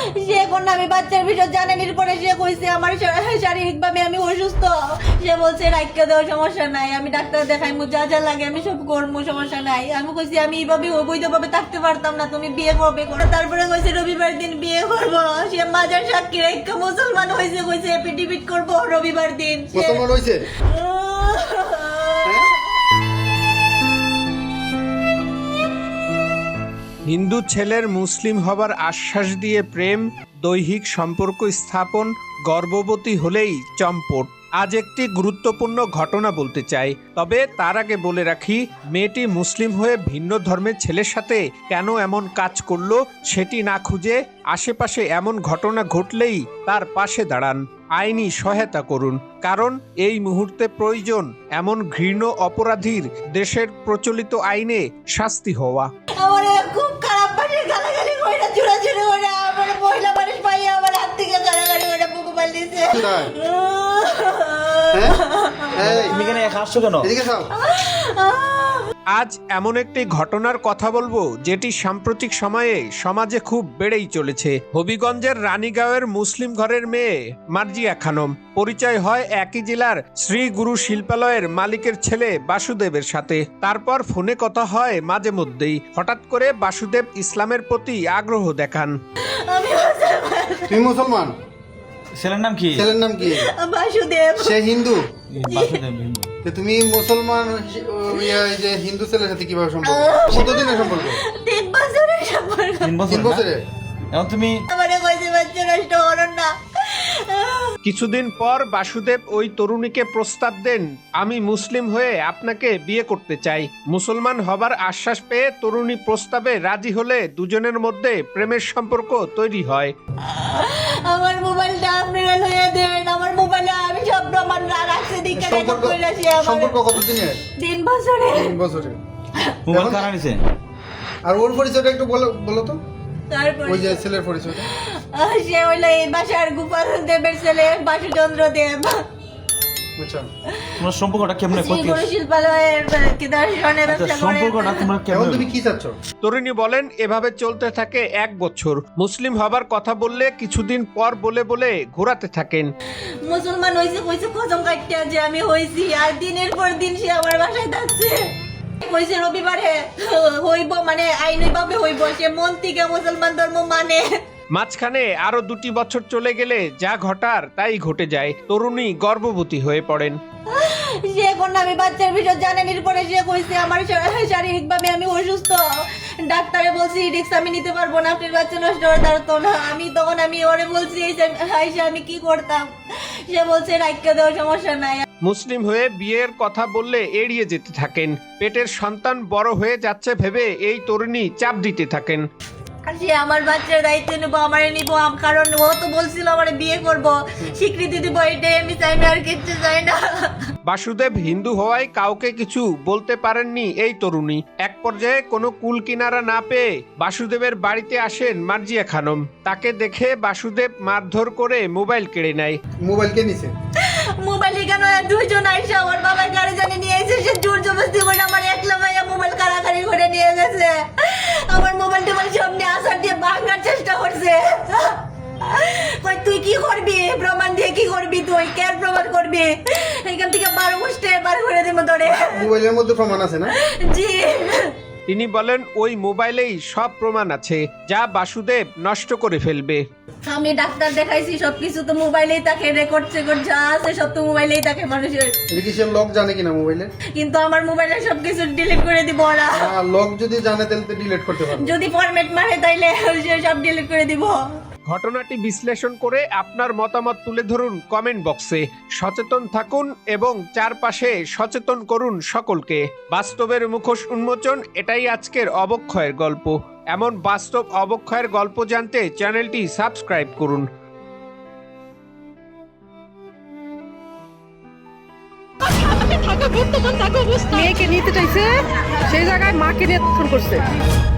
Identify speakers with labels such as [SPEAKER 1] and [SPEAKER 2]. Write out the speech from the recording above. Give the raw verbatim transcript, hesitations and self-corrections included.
[SPEAKER 1] সে কোন আমি বাচ্চার বিষয় জানানির পরে সে কইছে আমার শারীরিকভাবে আমি অসুস্থ। সে বলছে রাইখা দেওয়া সমস্যা নাই, আমি ডাক্তার দেখাইমু, যা যা লাগে আমি সব করবো, সমস্যা নাই। আমি কইছি আমি এইভাবে অবৈধভাবে থাকতে পারতাম না, তুমি বিয়ে করবে করো। তারপরে কইছে রবিবার দিন বিয়ে করবো। সে মাজার সাক্ষী রেখে মুসলমান হয়েছে, কইছে এপিডিবিট করবো রবিবার দিন।
[SPEAKER 2] মুসলমান হয়েছে?
[SPEAKER 3] হিন্দু ছেলের মুসলিম হবার আশ্বাস দিয়ে প্রেম, দৈহিক সম্পর্ক স্থাপন, গর্ভবতী হলেই চম্পট। আজ একটি গুরুত্বপূর্ণ ঘটনা বলতে চাই, তবে তার আগে বলে রাখি মেয়েটি মুসলিম হয়ে ভিন্ন ধর্মের ছেলের সাথে কেন এমন কাজ করলো সেটি না খুঁজে আশেপাশে এমন ঘটনা ঘটলেই তার পাশে দাঁড়ান, আইনি সহায়তা করুন। কারণ এই মুহূর্তে প্রয়োজন এমন ঘৃণ্য অপরাধীর দেশের প্রচলিত আইনে শাস্তি হওয়া।
[SPEAKER 1] আমার খুব খারাপ পাশে গালাগালি কইরা চুরাচুরি করে আমার মহিলা মানুষ পাইয়া আমার হাত থেকে গালাগালি করে বুকু মার দিছে।
[SPEAKER 2] তুমি কেন একা আসছো কেন? এদিকে যাও।
[SPEAKER 3] আজ এমন একটি ঘটনার কথা বলবো যেটি সাম্প্রতিক সময়ে সমাজে খুব বেড়েই চলেছে। হবিগঞ্জের রানীগাঁওয়ের মুসলিম ঘরের মেয়ে মার্জিয়া খানম পরিচয় হয় একই জেলার শ্রী গুরু শিল্পালয়ের মালিকের ছেলে বাসুদেবের সাথে। তারপর ফোনে কথা হয় মাঝে মধ্যেই। হঠাৎ করে বাসুদেব ইসলামের প্রতি আগ্রহ দেখান।
[SPEAKER 2] তুমি মুসলমান?
[SPEAKER 4] ছেলের নাম কি?
[SPEAKER 2] ছেলের নাম কি?
[SPEAKER 1] বাসুদেব।
[SPEAKER 2] সে হিন্দু?
[SPEAKER 4] বাসুদেব হিন্দু।
[SPEAKER 2] তো তুমি মুসলমান এই যে হিন্দু ছেলের সাথে কিভাবে সম্পর্ক? কতদিনের সম্পর্ক?
[SPEAKER 1] তিন বছরের সম্পর্ক।
[SPEAKER 4] তিন বছর?
[SPEAKER 2] তিন বছরে?
[SPEAKER 4] এখন তুমি
[SPEAKER 1] আমারে কইছে বাচ্চা নষ্ট করুন না।
[SPEAKER 3] কিছুদিন পর বাসুদেব ওই তরুণীকে প্রস্তাব দেন, আমি মুসলিম হয়ে আপনাকে বিয়ে করতে চাই। মুসলমান হবার আশ্বাস পেয়ে তরুণী প্রস্তাবে রাজি হলে দুজনের মধ্যে প্রেমের সম্পর্ক তৈরি হয়।
[SPEAKER 1] আমার মোবাইলটা আপনারা লইয়া দেন, আমার মোবাইলে আমি সব প্রমাণ রাখছি। দিকে রেকর্ড কইরাছি আমার।
[SPEAKER 2] সম্পর্ক কতদিনের?
[SPEAKER 1] তিন বছরে।
[SPEAKER 2] তিন বছরে।
[SPEAKER 4] মোবাইল কারা নিছে?
[SPEAKER 2] আর ওর পরিচয়টা একটু বলো বলো তো।
[SPEAKER 1] তারপর
[SPEAKER 2] ওই যে ছেলের পরিচয়টা।
[SPEAKER 1] সে হইলো এই বাসার গোপাল দেবের ছেলে বাসুচন্দ্র দেব।
[SPEAKER 2] আচ্ছা,
[SPEAKER 4] তোমার সম্পর্কটা কেমনে
[SPEAKER 1] শ্রী
[SPEAKER 4] করতে?
[SPEAKER 1] গুরু শিল্পালয়ের কি দর্শনে ব্যবসা করে।
[SPEAKER 4] সম্পর্কটা তোমরা
[SPEAKER 2] এখন
[SPEAKER 4] কেমন?
[SPEAKER 2] তুমি কি চাচ্ছ?
[SPEAKER 3] তরুণী বলেন এভাবে চলতে থাকে এক বছর। মুসলিম হবার কথা বললে কিছুদিন পর বলে বলে ঘোরাতে থাকেন।
[SPEAKER 1] মুসলমান হইছে কইছে কসম কাটতে যে আমি হইছি, আর দিনের পর দিন সে আমার বাসায় থাকছে। কইছে রবিবারে হইব, মানে আইনিভাবে হইব। সে মন থেকে মুসলমান ধর্ম মানে।
[SPEAKER 3] মাঝখানে আরো দুটি বছর চলে গেলে যা ঘটার তাই ঘটে যায়। তরুণী গর্ভবতী হয়ে পড়েন।
[SPEAKER 1] সে কোন আমি বাচ্চার বিষয় জানানির পরে সে কইছে আমার শারীরিকভাবে আমি অসুস্থ। ডাক্তারে বলছি রিস্ক আমি নিতে পারবো না, আপনার বাচ্চা নষ্ট হওয়ার পারতো না। আমি তখন আমি ওরে বলছি আইসা আমি কি করতাম। সে বলছে রাইখা দেওয়া সমস্যা নাই।
[SPEAKER 3] মুসলিম হয়ে বিয়ের কথা বললে এড়িয়ে যেতে থাকেন। পেটের সন্তান বড় হয়ে যাচ্ছে ভেবে এই তরুণী চাপ দিতে থাকেন।
[SPEAKER 1] সে আমার বাচ্চার দায়িত্ব নেবো, আমারে নিবো, কারণ ও তো বলছিল আমার বিয়ে করবো, স্বীকৃতি দিব, এটাই আমি চাই না, আর কিচ্ছু চাই না।
[SPEAKER 3] বাসুদেব হিন্দু হওয়ায় কাউকে কিছু বলতে পারেননি এই তরুণী। এক পর্যায়ে কোনো কুল কিনারা না পেয়ে বাসুদেবের বাড়িতে আসেন মার্জিয়া খানম। তাকে দেখে বাসুদেব মারধর করে মোবাইল কেড়ে নেয়।
[SPEAKER 2] মোবাইল কে নিছে?
[SPEAKER 1] মোবাইল কেন দুইজন আইসা আমার বাবার গাড়ি জানি নিয়ে এসে সে জোর জবরদস্তি করে আমার একলা ভাইয়া মোবাইল কারাকারি করে নিয়ে গেছে। আমার মোবাইল টোবাইল সামনে আসার দিয়ে ভাঙার চেষ্টা করছে। কই তুই কি করবি? প্রমাণ দিয়ে কি করবি? তুই কে প্রমাণ করবি? এখান থেকে বারো বসতে বার করে দেবো তোরে।
[SPEAKER 2] মোবাইলের মধ্যে প্রমাণ আছে না?
[SPEAKER 1] জি।
[SPEAKER 3] তিনি বলেন ওই মোবাইলেই সব প্রমাণ আছে যা বাসুদেব নষ্ট করে ফেলবে।
[SPEAKER 1] আমি ডাক্তার দেখাইছি, সবকিছু তো মোবাইলেই থাকে, রেকর্ড সেকর্ড যা আছে সব তো মোবাইলেই থাকে মানুষের।
[SPEAKER 2] এটা কি সে লক জানে কিনা মোবাইলে?
[SPEAKER 1] কিন্তু আমার মোবাইলে সবকিছু ডিলিট করে দিব ওরা।
[SPEAKER 2] লক যদি জানে তাহলে তো ডিলিট করতে পারবে।
[SPEAKER 1] যদি ফরম্যাট মারে তাইলে সব ডিলিট করে দিব।
[SPEAKER 3] ঘটনাটি বিশ্লেষণ করে আপনার মতামত তুলে ধরুন কমেন্ট বক্সে। সচেতন থাকুন এবং চারপাশে সচেতন করুন সকলকে। বাস্তবের মুখোশ উন্মোচন, এটাই আজকের অবক্ষয়ের গল্প। এমন বাস্তব অবক্ষয়ের গল্প জানতে চ্যানেলটি সাবস্ক্রাইব করুন।
[SPEAKER 5] মেয়েকে নিতে চাইছে, সেই জায়গায় মাকে নিয়ে ফোন করছে।